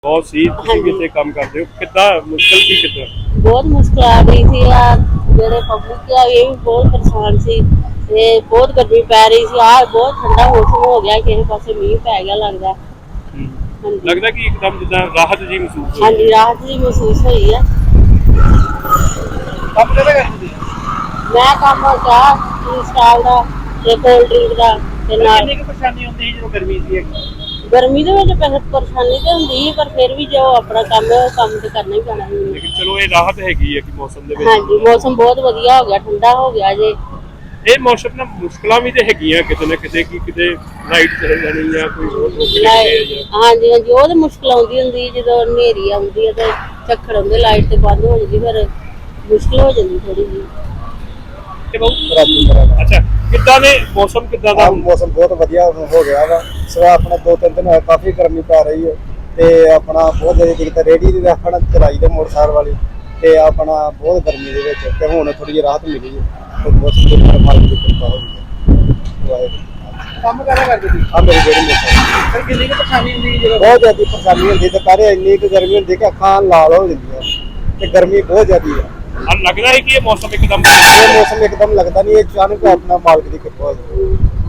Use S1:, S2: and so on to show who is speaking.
S1: ਬਹੁਤ ਸੀ ਤੁਸੀਂ ਵੀ ਇੱਥੇ ਕੰਮ ਕਰਦੇ ਹੋ, ਕਿੱਦਾਂ ਮੁਸ਼ਕਲ ਸੀ ਕਿੱਦਾਂ?
S2: ਬਹੁਤ ਮੁਸ਼ਕਿਲ ਆ ਰਹੀ ਸੀ ਆ ਜਿਹੜੇ ਪਬਲਿਕ ਆ ਇਹ ਵੀ ਬਹੁਤ ਪਰੇਸ਼ਾਨ ਸੀ ਤੇ ਬਹੁਤ ਗਰਮੀ ਪੈ ਰਹੀ ਸੀ ਆ ਬਹੁਤ ਠੰਡਾ ਮੌਸਮ ਹੋ ਗਿਆ ਕਿਸੇ ਪਾਸੇ ਮੀਂਹ ਪੈ ਗਿਆ ਲੱਗਦਾ। ਹਾਂਜੀ
S1: ਲੱਗਦਾ ਕਿ ਇੱਕਦਮ ਜਿੱਦਾਂ ਰਾਹਤ ਜੀ ਮਹਿਸੂਸ ਹੋਈ।
S2: ਹਾਂਜੀ ਰਾਹਤ ਜੀ ਮਹਿਸੂਸ ਹੋਈ ਆ।
S1: ਕੰਮ ਕਿਹੜਾ ਕਰਦੇ?
S2: ਮੈਂ ਕੰਮ ਚਾਹ ਸਟਾਲ ਦਾ ਤੇ ਕੋਲਡ ਡਰਿੰਕ ਦਾ ਤੇ ਨਾਲ
S1: ਕਿੰਨੀ ਕੁ ਪਰੇਸ਼ਾਨੀ ਹੁੰਦੀ ਸੀ ਜਦੋਂ ਗਰਮੀ ਸੀ?
S2: ਗਰਮੀ ਦੇ ਵਿੱਚ ਪਰੇਸ਼ਾਨੀ ਤੇ ਹੁੰਦੀ ਸੀ ਪਰ ਫਿਰ ਵੀ ਜੋ ਆਪਣਾ ਕੰਮ ਹੈ ਉਹ ਕੰਮ ਤੇ ਕਰਨਾ ਹੀ ਪੈਣਾ ਸੀ।
S1: ਲੇਕਿਨ ਚਲੋ ਇਹ ਰਾਹਤ ਹੈਗੀ ਹੈ ਕਿ ਮੌਸਮ ਦੇ ਵਿੱਚ।
S2: ਹਾਂਜੀ ਮੌਸਮ ਬਹੁਤ ਵਧੀਆ ਹੋ ਗਿਆ, ਠੰਡਾ ਹੋ ਗਿਆ ਜੇ।
S1: ਇਹ ਮੌਸਮ ਨਾਲ ਮੁਸ਼ਕਲਾਂ ਵੀ ਤੇ ਹੈਗੀਆਂ ਕਿਤੇ ਨਾ ਕਿਤੇ, ਕਿ ਕਿਤੇ ਲਾਈਟ ਚਲੇ ਜਾਣੀ ਜਾਂ ਕੋਈ ਹੋਰ ਰੋਕੇ
S2: ਹਾਂਜੀ ਹਾਂਜੀ ਉਹ ਤਾਂ ਮੁਸ਼ਕਲ ਆਉਂਦੀ ਹੁੰਦੀ ਜਦੋਂ ਹਨੇਰੀ ਆਉਂਦੀ ਹੈ ਤੇ ਝੱਖੜ ਹੁੰਦੇ ਲਾਈਟ ਤੇ ਬੰਦ ਹੋ ਜਾਂਦੀ ਫਿਰ ਮੁਸ਼ਕਲ ਹੋ ਜਾਂਦੀ ਥੋੜੀ ਜਿਹੀ।
S1: ਅੱਛਾ ਕਿੱਦਾਂ ਦੇ ਮੌਸਮ ਕਿੱਦਾਂ ਦਾ?
S3: ਮੌਸਮ ਬਹੁਤ ਵਧੀਆ ਹੋ ਗਿਆ ਵਾ। ਸਵਾ ਆਪਣਾ 2-3 ਦਿਨ ਹੋਏ ਕਾਫੀ ਗਰਮੀ ਪੈ ਰਹੀ ਹੈ ਤੇ ਆਪਣਾ ਬਹੁਤ ਜ਼ਿਆਦਾ ਦਿੱਕਤ ਰੇਹੜੀ ਦੀ ਆਪਣਾ ਚਲਾਈ ਦੇ ਮੋਟਰਸਾਈਕਲ ਵਾਲੀ ਤੇ ਆਪਣਾ ਬਹੁਤ ਗਰਮੀ ਦੇ ਵਿੱਚ ਤੇ ਹੁਣ ਥੋੜੀ ਜਿਹੀ ਰਾਹਤ ਮਿਲੀ ਹੈ ਤੇ ਮੌਸਮ ਦੇ ਨਾਲ ਮਾਲਕ ਦੀ ਕਿਰਪਾ ਹੋ ਗਈ।
S4: ਕੰਮ ਕਰਾ ਕਰਦੇ ਸੀ
S3: ਆ ਮੇਰੀ ਜਿਹੜੀ ਮੋਟਰਸਾਈਕਲ
S4: ਫਿਰ ਕਿੰਨੀ ਕੁ ਪਰੇਸ਼ਾਨੀ ਹੁੰਦੀ ਜਦੋਂ
S3: ਬਹੁਤ ਜ਼ਿਆਦਾ ਪਰੇਸ਼ਾਨੀ ਹੁੰਦੀ ਤੇ ਪਰ ਇੰਨੀ ਕੁ ਗਰਮੀ ਹੁੰਦੀ ਕਿ ਅੱਖਾਂ ਲਾਲ ਹੋ ਜਾਂਦੀਆਂ ਤੇ ਗਰਮੀ ਬਹੁਤ ਜ਼ਿਆਦੀ ਹੈ।
S1: ਲੱਗਦਾ ਹੈ ਕਿ ਇਹ ਮੌਸਮ ਇੱਕਦਮ
S3: ਇਹ ਮੌਸਮ ਇੱਕਦਮ ਲੱਗਦਾ ਨਹੀਂ, ਇਹ ਅਚਾਨਕ ਆਪਣਾ ਮਾਲਕ ਦੀ ਕਿਰਪਾ ਹੋ ਜਾਂਦੀ ਹੈ।